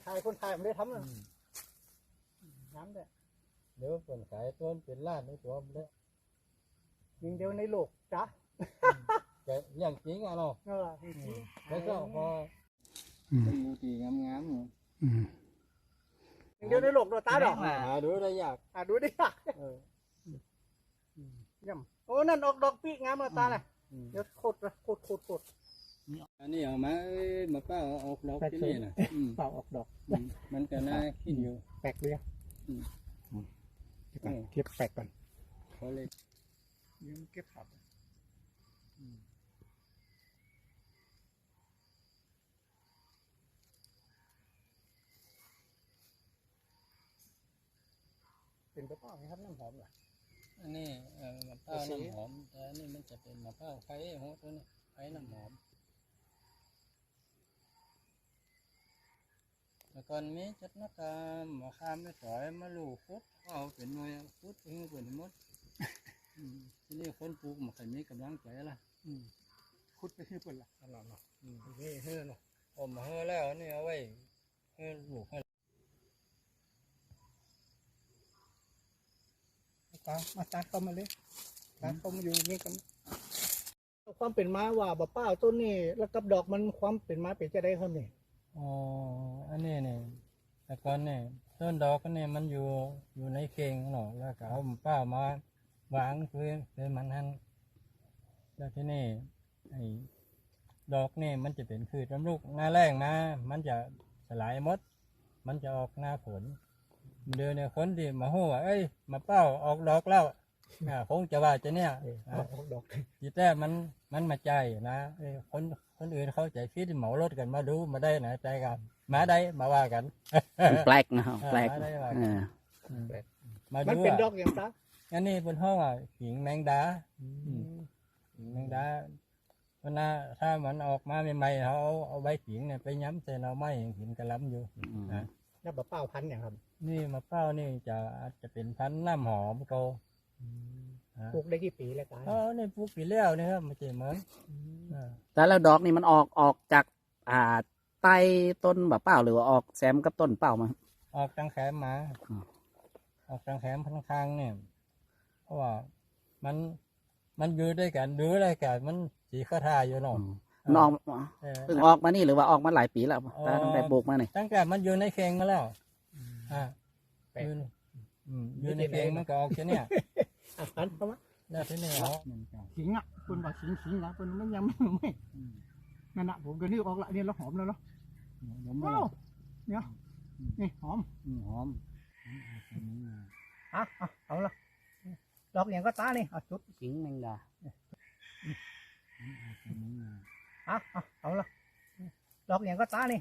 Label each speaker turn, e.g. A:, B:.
A: ายคนไทยไม่ได้ทำนะน้ำเด้อ
B: เดี๋ยวคนขายต้นเป็นล้านในตัวมันเลย
A: ยิงเดียวในโลกจ้ะ
B: แต่เรื่องจริงอ่ะเนาะ
A: จริง
B: แล้วก็พอเป็นมูตีงามๆ
A: ยิงเดียวในโลกตัวตาดอก
B: ดูได้ยาก
A: ดูดิย่ำโอ้นั่นออกดอกปีกงามตาเลยเดี๋ยวโคตร
B: อันนี้เอามาเป้าออกดอกที่นี่นะ
A: เป่าออกดอก
B: มันก็น่าคิดอยู่
A: แปลกเลยเก็บแปลกก่อน
B: เขาเลย
A: ยืมเก็บผักเป็นมะพร้าวครับน้ำหอมเหรอ
B: อันนี้มะพร้าวน้ำหอมแต่อันนี้มันจะเป็นมะพร้าวไข่โหดตัวนี้ไข่น้ำหอมแต่ก่อนนี้จัดนักการมาข้ามไม่ถอยมาลูกฟุดเอาเป็นหน่วยฟุดเพื่อเป็นมดที่นี่คนปลูกมันเคยมีกำลังใจละ
A: คุดไปที่ปุ่นละตลอดเนาะนี่เฮ้อเนาะ
B: ผมมาเฮ้อแล้วนี่เอาไว้ให้ลูกให้
A: มาตาเข้ามาเลยตาเข้ามาอยู่นี่กันความเป็นม้าว่าบ่ป้าต้นนี่แล้วกับดอกมันความเป็นม้าเป็นจะได้ครับนี่
B: อ๋ออันนี้เนี่ยแต่ก่อนเนี่ยต้นดอกนี่มันอยู่ในเข่งเนาะแล้วก็เอาเป้ามาวางเพื่อมันหันแล้วที่นี่ไอ้ดอกนี่มันจะเป็นพืชลำลูกหน้าแรงมามันจะสลายหมดมันจะออกหน้าฝนเดือนเนี่ยคนที่มาหัวเอ้ยมาเป้าออกดอกแล้วคงจะว่าจะเนี่ย
A: ออกดอก
B: จีแต่มันมาใจนะคนอื่นเขาใจคิดเหมารถกันมาดูมาได้นะใจกันมาได้มาว่ากัน
C: แปลกนะแปลก
A: มันเป็นดอกอย่างไร
B: อันนี้เป็นห้องหิงแมงดาหิงแมงดาเพราะนะถ้ามันออกมาใหม่ๆเขาเอาใบหิงเนี่ยไปย้ำใส่เราไม่หินกระล้ำอยู่นะ
A: แล้วมะเป้าพันธุ์อย่างครับ
B: นี่มะเป้านี่จะเป็นพันธุ์น้ำหอมโต
A: ปลูกได้กี่ปีแล้วกัน
B: นี่ปลูกปีแล้วนี่ครับมันจะเหมือน
C: แต่แล้วดอกนี่มันออกจากใต้ต้นแบบเปล่าหรือว่าออกแซมกับต้นเปล่ามา
B: ออกทางแขมมาออกทางแขมพันคางเนี่ยเพราะว่ามันอยู่ด้วยกันดูได้กันมันสีข้าทาอยู่หนอ
C: มันออกเพิ่งออกมานี่หรือว่าออกมาหลายปีแล้วตั้งแต่ปลูกมาเนี่ย
B: ตั้งแต่มันอยู่ในเข่งมาแล้วอยู่ในเข่งมันก็ออกแค่นี้
A: พันเข้ามา
B: แล้วที่นี่เขา
A: ขิงคนบอกขิงนะคนมันยังไม่นั่นน่ะผมเดี๋ยวนี้ออกละเนี่ยเราหอมแล้วเนาะเนี่ยนี่หอมเอาละดอกอย่างก็ตานี่จุด
C: ขิงแมงดา
A: เอาละดอกอย่างก็ตานี่